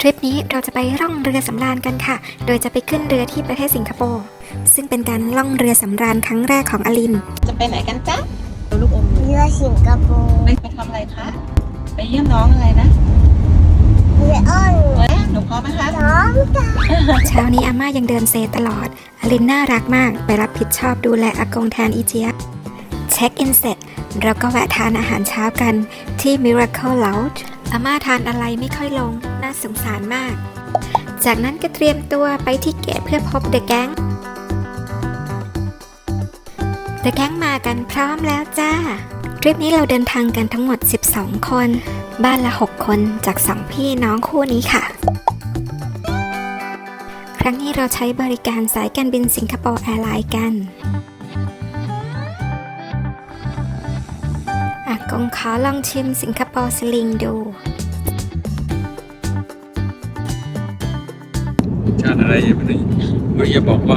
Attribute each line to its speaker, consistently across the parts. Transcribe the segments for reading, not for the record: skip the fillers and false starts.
Speaker 1: ริปนี้เราจะไปล่องเรือสำราญกันค่ะ โดยจะไปขึ้นเรือที่ประเทศสิงคโปร์ซึ่งเป็นการล่องเรือสำราญครั้งแรกของอลิน
Speaker 2: จะไปไหนกันจ๊ะลูกอม
Speaker 3: เรือสิงคโปร์
Speaker 2: ไปทำอะไรคะไปเยี่ยมน้องอะไรนะ
Speaker 3: เรืออ้อน
Speaker 2: หนูพร้อมไหมคะ
Speaker 3: น้องจ้า
Speaker 1: เช้านี้อาม่ายังเดินเซตลอดอลินน่ารักมากไปรับผิดชอบดูแลอากงแทนอีเจี๊ยบเช็คอินเสร็จเราก็แวะทานอาหารเช้ากันที่ Miracle Lounge อาม่าทานอะไรไม่ค่อยลงน่าสงสารมากจากนั้นก็เตรียมตัวไปที่เกตเพื่อพบเดอะแก๊งมากันพร้อมแล้วจ้าทริปนี้เราเดินทางกันทั้งหมด12คนบ้านละ6คนจาก2พี่น้องคู่นี้ค่ะครั้งนี้เราใช้บริการสายการบินสิงคโปร์แอร์ไลน์กันอากงขอลองชิมสิงคโปร์สลิงดู
Speaker 4: ชาติอะไรอย่าไปอย่าบอกว่า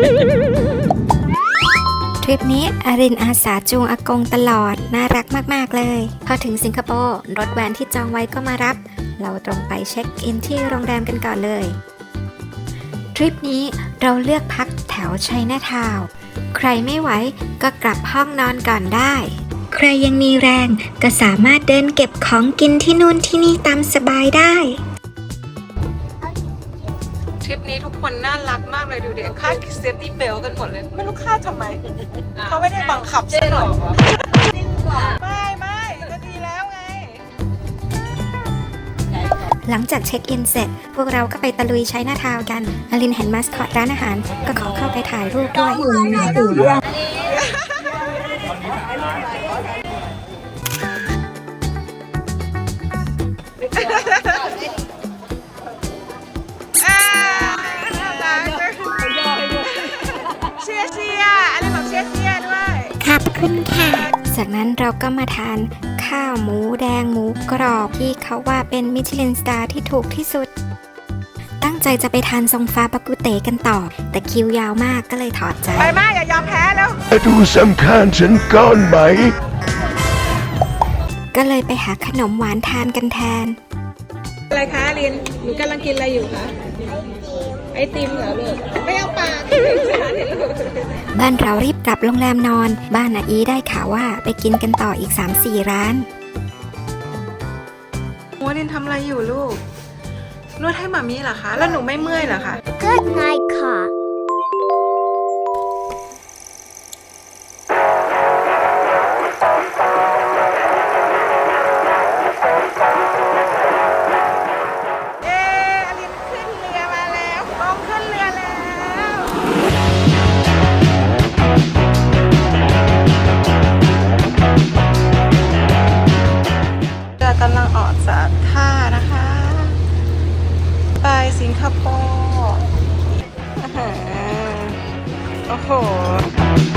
Speaker 1: ทริปนี้อารินอาสาจูงอากงตลอดน่ารักมากๆเลยพอถึงสิงคโปร์รถแวนที่จองไว้ก็มารับเราตรงไปเช็คอินที่โรงแรมกันก่อนเลยทริปนี้เราเลือกพักแถวไชน่าทาวน์ใครไม่ไหวก็กลับห้องนอนก่อนได้ใครยังมีแรงก็สามารถเดินเก็บของกินที่นู่นที่นี่ตามสบายได้
Speaker 2: ทริปนี้ทุกคนน่ารักมากเลยดูดิค่าเซฟตี้เบลกันหมดเลยไม่รู้ค่าทำไมเขาไม่ได้บังคับซะหน่อยไม่ก็ดีแล้วไง
Speaker 1: หลังจากเช็คอินเสร็จพวกเราก็ไปตะลุยไชน่าทาวน์กันอลินเห็นมาสคอตร้านอาหารก็ขอเข้าไปถ่ายรูปด้วย
Speaker 2: เชียอะไรบอกเชียด้วย
Speaker 1: ขอบคุณค่ะจากนั้นเราก็มาทานข้าวหมูแดงหมูกรอบที่เขาว่าเป็นมิชลินสตาร์ที่ถูกที่สุดตั้งใจจะไปทานทรงฟ้าปากุเตกันต่อแต่คิวยาวมากก็เลยถอดใจ
Speaker 2: ไปมากอย่ายอมแพ้แล้ว
Speaker 5: ดูสำคัญฉันก่อนไหม
Speaker 1: ก็เลยไปหาขนมหวานทานกันแทน
Speaker 2: อะไรคะลินหนูกำลังกินอะไรอยู่คะไอติมเหรอลูกไม่เอาปาก
Speaker 1: บ้านเรารีบกลับโรงแรมนอนบ้านอาอีได้ข่าวว่าไปกินกันต่ออีก 3-4 ร้าน
Speaker 2: โมลินทำอะไรอยู่ลูกนวดให้หมามีเหรอคะแล้วหนูไม่เมื่อยเหรอคะ
Speaker 3: Good night ค่ะ
Speaker 2: กำลังออกจากท่านะคะไปสิงคโปร์โอ้โห